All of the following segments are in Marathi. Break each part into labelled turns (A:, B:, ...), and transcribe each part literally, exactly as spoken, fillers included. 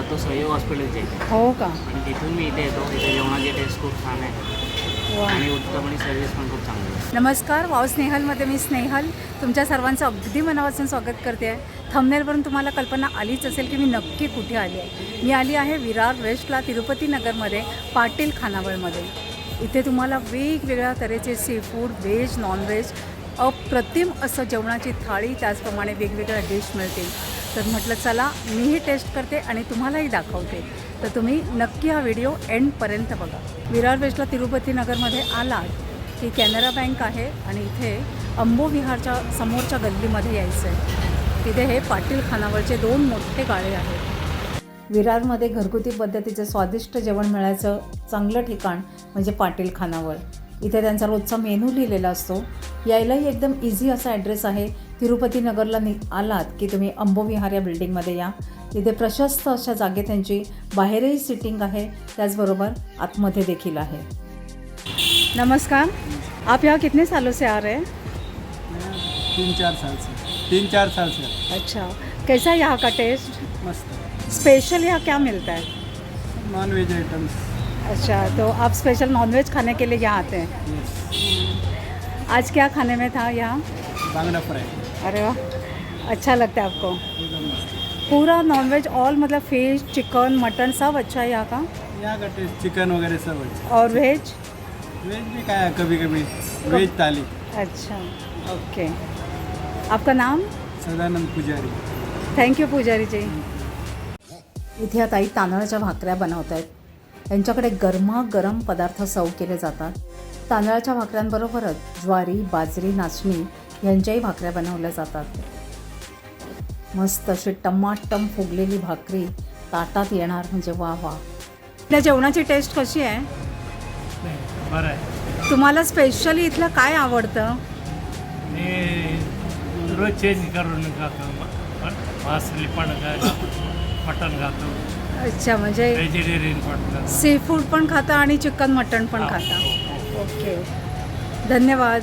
A: राहतो सहयोग हॉस्पिटलच्या इथे
B: हो का?
A: आणि तिथून मी इथे येतो. इथे जेवणाची टेस्ट खूप छान आहे
B: वा.
A: आणि उत्तम आणि सर्व्हिस पण खूप चांगली आहे.
B: नमस्कार, वाव स्नेहलमध्ये मी स्नेहल तुमच्या सर्वांचं अगदी मनापासून स्वागत करते आहे. थंबनेलवरून तुम्हाला कल्पना आलीच असेल की मी नक्की कुठे आली आहे. मी आली आहे विरार वेस्टला तिरुपती नगरमध्ये पाटील खानावळमध्ये. इथे तुम्हाला वेगवेगळ्या तऱ्हेचे सी फूड, व्हेज, नॉनव्हेज, अप्रतिम असं जेवणाची थाळी, त्याचप्रमाणे वेगवेगळ्या डिश मिळतील. तर म्हटलं चला मीही टेस्ट करते आणि तुम्हालाही दाखवते. तर तुम्ही नक्की हा व्हिडिओ एंडपर्यंत बघा. विरार वेस्टला तिरुपती नगरमध्ये आलात की कॅनरा बँक आहे आणि इथे अंबो विहारच्या समोरच्या गल्लीमध्ये यायचं आहे. तिथे हे पाटील खानावळचे दोन मोठे गाळे आहेत. विरारमध्ये घरगुती पद्धतीचं स्वादिष्ट जेवण मिळायचं चांगलं ठिकाण म्हणजे पाटील खानावळ. इथे त्यांचा रोजचा मेनू लिहिलेला असतो. यायलाही एकदम इझी असा ॲड्रेस आहे. तिरुपती नगरला नि आलात की तुम्ही अंबो विहार या बिल्डिंगमध्ये या. इथे प्रशस्त अशा जागेत त्यांची बाहेरही सिटिंग आहे, त्याचबरोबर आतमध्ये देखील आहे. नमस्कार, आप यहाँ कितने सालों से आ रहे हैं?
C: तीन चार साल से तीन चार साल से
B: अच्छा, कैसा है यहाँ का टेस्ट?
C: मस्त.
B: स्पेशल यहाँ क्या मिलता है?
C: Non veg items.
B: अच्छा, तो आप स्पेशल नॉनवेज खाने के लिए यहाँ आते हैं.
C: यस.
B: आज क्या खाने में था यहाँ?
C: बांगड़ा फ्राई.
B: अरे वाह, अच्छा लगता है आपको?
C: एकदम मस्त.
B: पूरा नॉनवेज ऑल मतलब फिश, चिकन, मटन सब अच्छा है यहाँ का?
C: यहाँ का टेस्ट चिकन वगैरह सब अच्छा.
B: और वेज?
C: वेज भी क्या है कभी कभी वेज थाली.
B: अच्छा, ओके. आपका नाम?
C: सदानंद पुजारी.
B: थँक्यू पुजारी जी. इथे आता आई तांदळाच्या भाकऱ्या बनवत आहेत. त्यांच्याकडे गरमागरम पदार्थ सर्व केले जातात. तांदळाच्या भाकऱ्यांबरोबरच ज्वारी, बाजरी, नाचणी यांच्याही भाकऱ्या बनवल्या जातात. मस्त अशी टमाटम फुगलेली भाकरी ताटात येणार म्हणजे वा वा. त्या जेवणाची टेस्ट कशी आहे?
D: बरं आहे.
B: तुम्हाला स्पेशली इथलं काय आवडतं?
D: मी रोज चेंज करून खातो. मासली पण मटण खातो.
B: अच्छा, म्हणजे
D: व्हेजिटेरियन पण खातो.
B: सी फूड पण खाता आणि चिकन मटण पण खाता. ओके, धन्यवाद.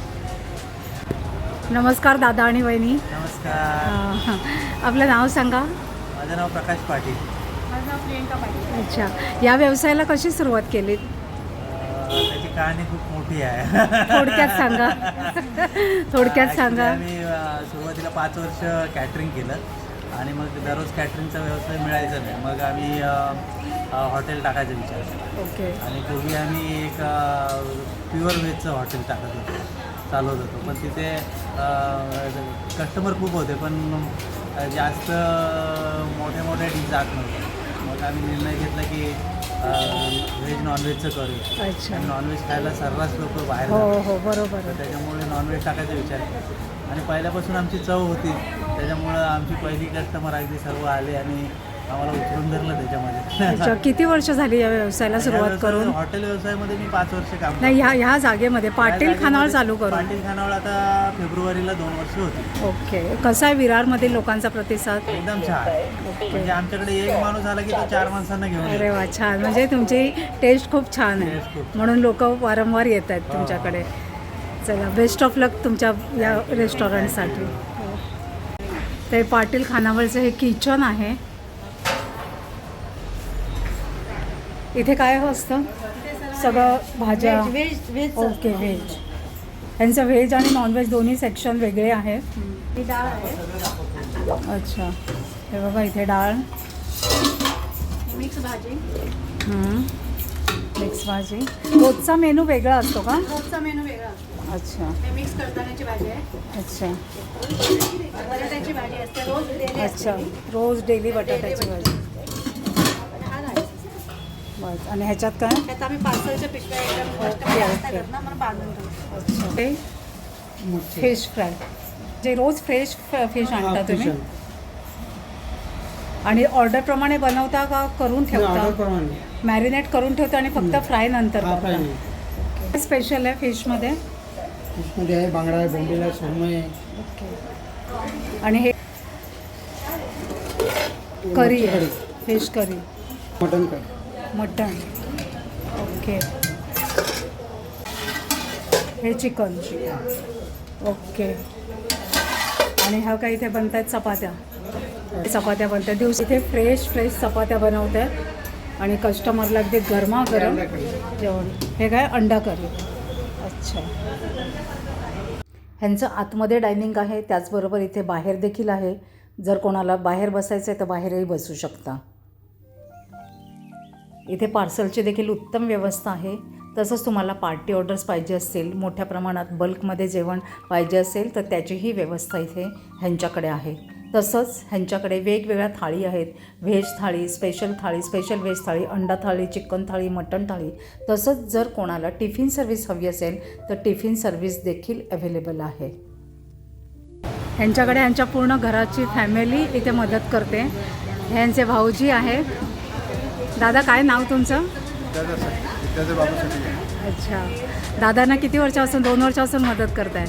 B: नमस्कार दादा आणि वहिनी.
C: नमस्कार.
B: हां, आपलं नाव सांगा.
C: माझं नाव प्रकाश पाटील.
B: माझं नाव प्रियंका पाटील. अच्छा, या व्यवसायाला कशी सुरुवात केली?
C: त्याची कहाणी खूप मोठी आहे.
B: थोडक्यात सांगा. थोडक्यात सांगा.
C: आम्ही सुरुवातीला पाच वर्ष कॅटरिंग केलं आणि मग दररोज कॅटरिंगचा व्यवसाय मिळायचा नाही. मग आम्ही हॉटेल टाकायचा विचार केला.
B: ओके.
C: आणि पूर्वी आम्ही एक प्युअर व्हेजचं हॉटेल टाकत होतो, चालवत होतो. पण तिथे कस्टमर खूप होते, पण जास्त मोठे मोठे डिश जात नव्हते. मग आम्ही निर्णय घेतला की व्हेज नॉनव्हेजचं करूया.
B: अच्छा.
C: नॉनव्हेज खायला सर्रास लोक बाहेर
B: हो
C: जातात.
B: हो, बरोबर.
C: तर त्याच्यामुळे नॉनव्हेज टाकायचा विचार केला आणि पहिल्यापासून आमची चव होती. त्याच्यामुळं आमची पहिली कस्टमर अगदी सर्व आले आणि आम्हाला उतरून धरलं त्याच्यामध्ये.
B: अच्छा, किती वर्ष झाली या व्यवसायाला सुरुवात करून?
C: हॉटेल व्यवसायामध्ये मी पाच वर्ष काम
B: नाही, ह्या ह्या जागेमध्ये
C: या
B: पाटील
C: जागेमध्ये
B: खानावळ चालू करून?
C: पाटील खानावळ आता फेब्रुवारीला दोन वर्ष होती.
B: ओके. कसा आहे विरारमधील लोकांचा प्रतिसाद?
C: एकदम छान. म्हणजे आमच्याकडे एक माणूस आला की तो चार माणसांना घेऊन
B: अरे
C: येतो.
B: वा, छान. म्हणजे तुमची टेस्ट खूप छान आहे,
C: Taste खूप.
B: म्हणून लोक वारंवार येत आहेत तुमच्याकडे. चला, बेस्ट ऑफ लक तुमच्या या रेस्टॉरंटसाठी. ते पाटील खानावळचं हे किचन आहे. इथे काय असतं? सगळं भाज्या. Okay, veg. यांचं व्हेज आणि नॉनव्हेज दोन्ही सेक्शन वेगळे आहेत. अच्छा, हे बघा इथे डाळ,
E: मिक्स भाजी.
B: मिक्स भाजी. रोजचा मेनू वेगळा असतो का?
E: रोजचा मेनू वेगळा असतो.
B: अच्छा
E: हे मिक्स कडधान्याची भाजी आहे.
B: अच्छा
E: बटाट्याची भाजी असते रोज daily असते
B: अच्छा,
E: ती.
B: रोज डेली बटाट्याची भाजी.
E: आणि हा राईस.
B: बस. आणि ह्याच्यात काय?
E: त्यात आम्ही पार्सलच्या पिशव्या एकदम
B: ओके,
E: कस्टमर जास्त
B: ओके.
E: येतात ना, म्हणून बांधून ठेवतो.
B: अच्छा, ते फिश फ्राय. जे रोज फ्रेश फिश आणता तुम्ही आणि ऑर्डरप्रमाणे बनवता का करून ठेवता? मॅरिनेट करून ठेवता आणि फक्त फ्राय नंतर करता? स्पेशल आहे फिशमध्ये?
F: फिशमध्ये आहे बांगडा आहे, बोंबील आहे, सुरमई आहे.
B: ओके. आणि हे करी आहे, fish curry,
F: mutton curry,
B: mutton. Okay. हे चिकन. ओके. आणि ह्या काही इथे बनत आहेत चपात्या. चपात्या बनतात दिवशी इथे फ्रेश फ्रेश चपात्या बनवत आहेत आणि कस्टमरला अगदी गरमागरम जेवण. हे काय अंडा करी. अच्छा. ह्यांचं आतमध्ये डायनिंग आहे, त्याचबरोबर इथे बाहेर देखील आहे. जर कोणाला बाहेर बसायचं आहे तर बाहेरही बसू शकता. इथे पार्सलची देखील उत्तम व्यवस्था आहे. तसंच तुम्हाला पार्टी ऑर्डर्स पाहिजे असतील, मोठ्या प्रमाणात बल्कमध्ये जेवण पाहिजे असेल तर त्याचीही व्यवस्था इथे ह्यांच्याकडे आहे. तसंच ह्यांच्याकडे वेगवेगळ्या थाळी आहेत. व्हेज थाळी, स्पेशल थाळी, स्पेशल व्हेज थाळी, अंडा थाळी, चिकन थाळी, मटण थाळी. तसंच जर कोणाला टिफिन सर्व्हिस हवी असेल तर टिफिन सर्व्हिस देखील अवेलेबल आहे. ह्यांच्याकडे ह्यांच्या पूर्ण घराची फॅमिली इथे मदत करते. ह्यांचे भाऊजी आहेत. दादा काय नाव तुमचं? अच्छा. दादांना किती वर्षापासून? दोन वर्षापासून मदत करताय.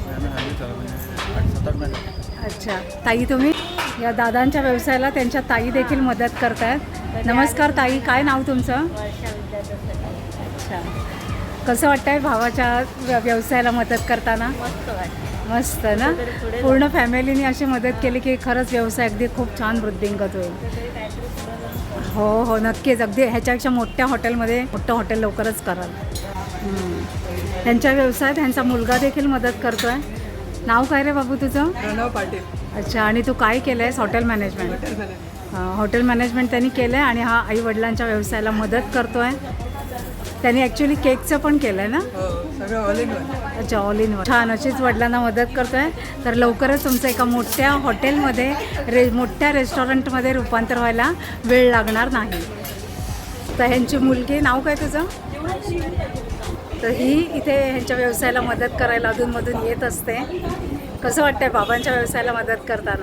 B: अच्छा. ताई तुम्ही? या दादांच्या व्यवसायाला त्यांच्या ताई देखील मदत करतायत. नमस्कार ताई, काय नाव तुमचं? अच्छा. कसं वाटतंय भावाच्या व्य- व्यवसायाला मदत करताना? मस्त ना. पूर्ण फॅमिलीने अशी मदत केली की खरंच व्यवसाय अगदी खूप छान वृद्धिंगत होईल. हो हो नक्कीच. अगदी ह्याच्यापेक्षा मोठ्या हॉटेलमध्ये मोठं हॉटेल लवकरच कराल. ह्यांच्या व्यवसायात ह्यांचा मुलगा देखील मदत करतो आहे. नाव काय रे बाबू तुझं?
G: प्रणव पाटील.
B: अच्छा. आणि तू काय केलं आहेस? Hotel management.
G: Hotel management.
B: Hotel management त्यांनी केलं आहे आणि हा आईवडिलांच्या व्यवसायाला मदत करतो आहे. त्यांनी ॲक्च्युली केकचं पण केलं आहे ना?
G: हो, सगळं ऑल इन वन.
B: अच्छा. All in one. छान. अशीच वडिलांना मदत करतो आहे. तर लवकरच तुमचं एका मोठ्या हॉटेलमध्ये रे मोठ्या रेस्टॉरंटमध्ये रूपांतर व्हायला वेळ लागणार नाही. तर ह्यांची मुलगी, नाव काय तुझं? तर ही इथे ह्यांच्या व्यवसायाला मदत करायला अधूनमधून येत असते. कसं वाटतंय बाबांच्या व्यवसायाला मदत करताना?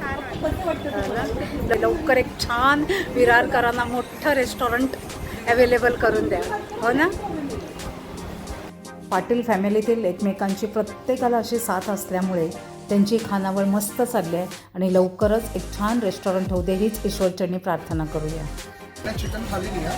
B: लवकर एक छान विरारकरांना मोठं रेस्टॉरंट अवेलेबल करून द्या. हो ना. पाटील फॅमिलीतील एकमेकांची प्रत्येकाला अशी साथ असल्यामुळे त्यांची खानावळ मस्त चालली आहे आणि लवकरच एक छान रेस्टॉरंट होऊ दे हीच ईश्वरचरणी प्रार्थना करूया.
H: मैं चिकन थाली लिया,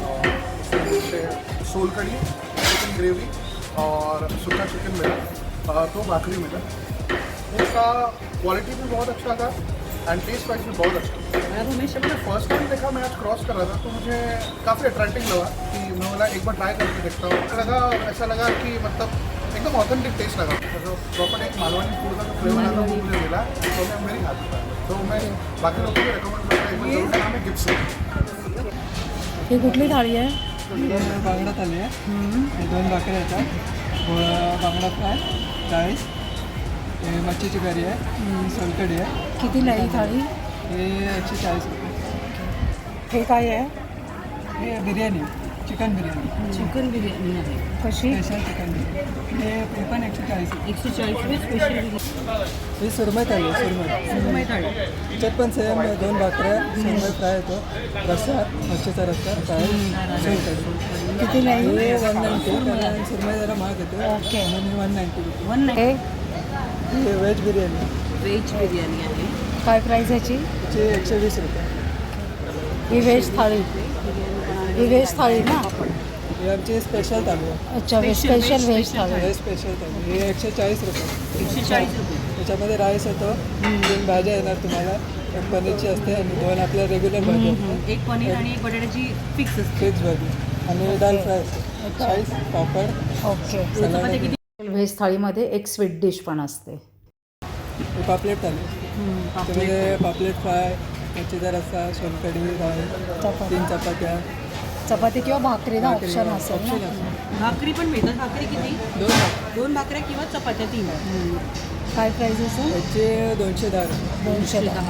H: सोल कड़ी, चिकन ग्रेवी और सूखा चिकन मिला, तो भाकरी मिला. उसका क्वालिटी भी बहुत अच्छा था एंड टेस्ट वाइज भी बहुत अच्छा. मैंने फर्स्ट टाइम देखा, मैं आज क्रॉस कर रहा था तो मुझे काफ़ी अट्रैक्टिव लगा कि मैं बोला एक बार ट्राई करके देखता हूँ. लगा ऐसा लगा कि मतलब एकदम ऑथेंटिक टेस्ट लगा. तो प्रॉपर एक मालवणी फूड का जो फ्लेवर आता वो मुझे मिला तो मैं मेरी हाथ था. तो मैं बाकी लोगों को रिकमेंड करता हूँ. एक बार नाम है गिफ्ट.
B: ही कुठली थाळी आहे?
G: बांगडा थाली आहे. हे दोन भाकऱ्या येतात. बांगडा फ्राय, राईस, हे मच्छीची करी आहे, सोलकढी आहे.
B: कितीला आहे ही थाळी?
G: हे एकशे चाळीस रुपये.
B: हे काय आहे?
G: हे बिर्याणी, चिकन बिर्याणी.
B: चिकन बिर्याणी आहे. कशी?
G: Special chicken biryani. हे हे पण एकशे चाळीस रुपये.
B: एकशे चाळीस रुपये स्पेशल.
G: ही सुरमई थाली आहे. सुरमई
B: सुरमई थाळी.
G: त्याच्यात पण सेम दोन भाकऱ्या, सुरमई फ्राय येतो, रस्सा, मच्छीचा रस्सा, फ्राय, सोलकढी.
B: कितीला आहे?
G: हे वन नाईन्टी. कारण सुरमई जरा महाग येतो.
B: ओके.
G: म्हणून हे वन नाईन्टी रुपये.
B: वन हे
G: हे व्हेज बिर्याणी.
B: व्हेज बिर्याणी आहे. काय प्राईस ह्याची?
G: त्याची एकशे वीस रुपये.
B: ही व्हेज थाळी. ही व्हेज थाळी ना?
G: ही आमची स्पेशल थाली आहे.
B: अच्छा. स्पेशल व्हेज थाळी.
G: हे स्पेशल थाली. हे एकशे चाळीस रुपये.
B: एकशे चाळीस रुपये.
G: त्याच्यामध्ये राईस येतो, तीन भाज्या येणार तुम्हाला. एक पनीरची असते आणि दोन आपल्या रेग्युलर भाज्या असतात.
B: एक पनीर आणि एक बटाट्याची फिक्स असते.
G: फिक्स भाजी आणि दाल फ्राय असते. चाळीस, पापड.
B: ओके.
G: सलाड.
B: व्हेज थाळीमध्ये एक स्वीट डिश पण असते.
G: हे पापलेट थाली. त्यामध्ये पापलेट फ्राय, मच्छीचा रस्सा, सोलकढी, राईस,
B: चपाती.
G: तीन चपात्या.
B: चपाती किंवा भाकरी ना
G: भाकरी,
B: ऑप्शन असेल
G: ऑप्शन
B: ना?
G: असेल.
I: भाकरी पण मिळतात. भाकरी किती?
G: दोन भाकरी.
I: दोन भाकऱ्या किंवा चपात्या तीन.
B: काय प्राईस असेल?
G: याचे दोनशे दहा रुपये.
B: दोनशे दहा.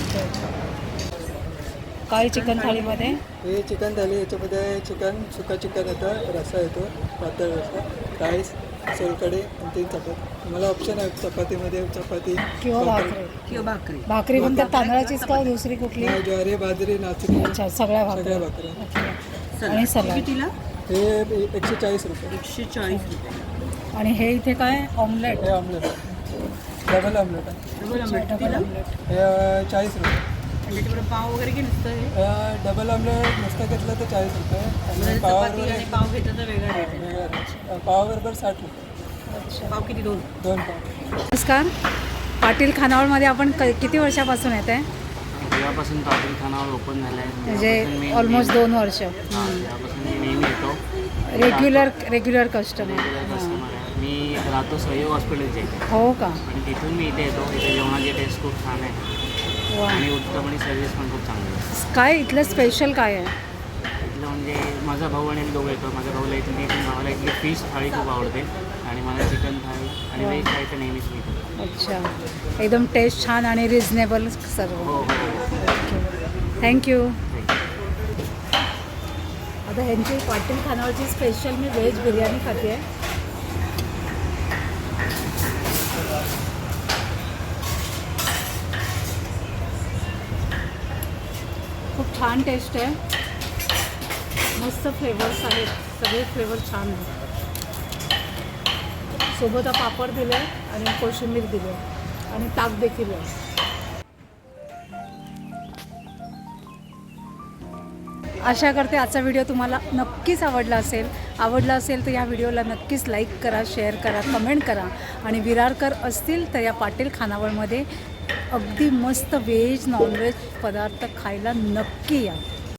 B: काय चिकन थाळीमध्ये?
G: हे चिकन थाली. याच्यामध्ये चिकन, सुका चिकन येतं, रस्सा येतो, पातळ रस्सा, राईस, सोलकढी आणि तीन चपाती. तुम्हाला ऑप्शन आहे चपातीमध्ये चपाती
B: किंवा भाकरी.
I: किंवा भाकरी.
B: भाकरी पण त्या तांदळाचीच का दुसरी कुठली?
G: नाही, ज्वारी, बाजरी, नाचणी,
B: अच्छा. सगळ्या
G: सगळ्या
B: भाकरी.
G: भाकऱ्या.
B: आणि सलाड.
I: कितीला?
G: हे एकशे चाळीस रुपये.
I: एकशे चाळीस रुपये.
B: आणि हे इथे काय? ऑमलेट.
G: हे ऑमलेट आहे. डबल ऑमलेट आहे.
I: डबल आमलेट
B: डबल
I: कितीला?
B: ऑमलेट.
G: हे चाळीस रुपये.
I: आणि त्याच्याबरोबर पाव वगैरे की नुसतं हे?
G: हे डबल ऑमलेट नुसतं घेतलं तर चाळीस रुपये
I: म्हणजे
G: आणि
I: चपाती
G: पावाबरोबर
I: आणि पाव घेतलं तर वेगळा रेट आहे.
G: वेगळा रेट. पावाबरोबर साठ रुपये.
I: पाव किती? दोन.
G: दोन पाव.
B: नमस्कार. पाटील खानावळमध्ये आपण क किती वर्षापासून येत आहे?
A: जेव्हापासून पाटील खानावळ ओपन झालं आहे
B: म्हणजे ऑलमोस्ट दोन वर्ष
A: तेव्हापासून मी नेहमी येतो.
B: Regular regular customer
A: regular customer आहे. मी राहतो सहयोग हॉस्पिटलचे इथे
B: हो का?
A: आणि तिथून मी इथे येतो. इथे जेवणाची टेस्ट खूप छान आहे
B: वा.
A: आणि उत्तम आणि सर्विस पण खूप चांगली आहे.
B: काय इथलं स्पेशल काय आहे?
A: इथलं म्हणजे माझा भाऊ आणि मी दोघं येतो. माझ्या भाऊला इथली मला इथली फिश थाळी खूप आवडते आणि मला चिकन थाळी आणि व्हेज थाळी तर नेहमीच मी खातो.
B: अच्छा, एकदम टेस्ट छान आणि रिजनेबल सर्व.
A: हो हो
B: ओके, थँक्यू. आता ह्यांची पाटील खानावळची स्पेशल मी व्हेज बिर्याणी खाते आहे. खूप छान टेस्ट आहे, मस्त फ्लेवर्स आहेत, सगळे फ्लेवर छान आहेत. सोबत हा पापड दिले आणि कोशिंबीर दिले आणि ताक देखील आहे. आशा करते आजचा व्हिडिओ तुम्हाला नक्कीच आवडला असेल. आवडला असेल तर या व्हिडिओला नक्कीच लाईक करा, शेअर करा, कमेंट करा आणि विरारकर असतील तर या पाटील खानावळमध्ये अगदी मस्त व्हेज नॉनव्हेज पदार्थ खायला नक्की या.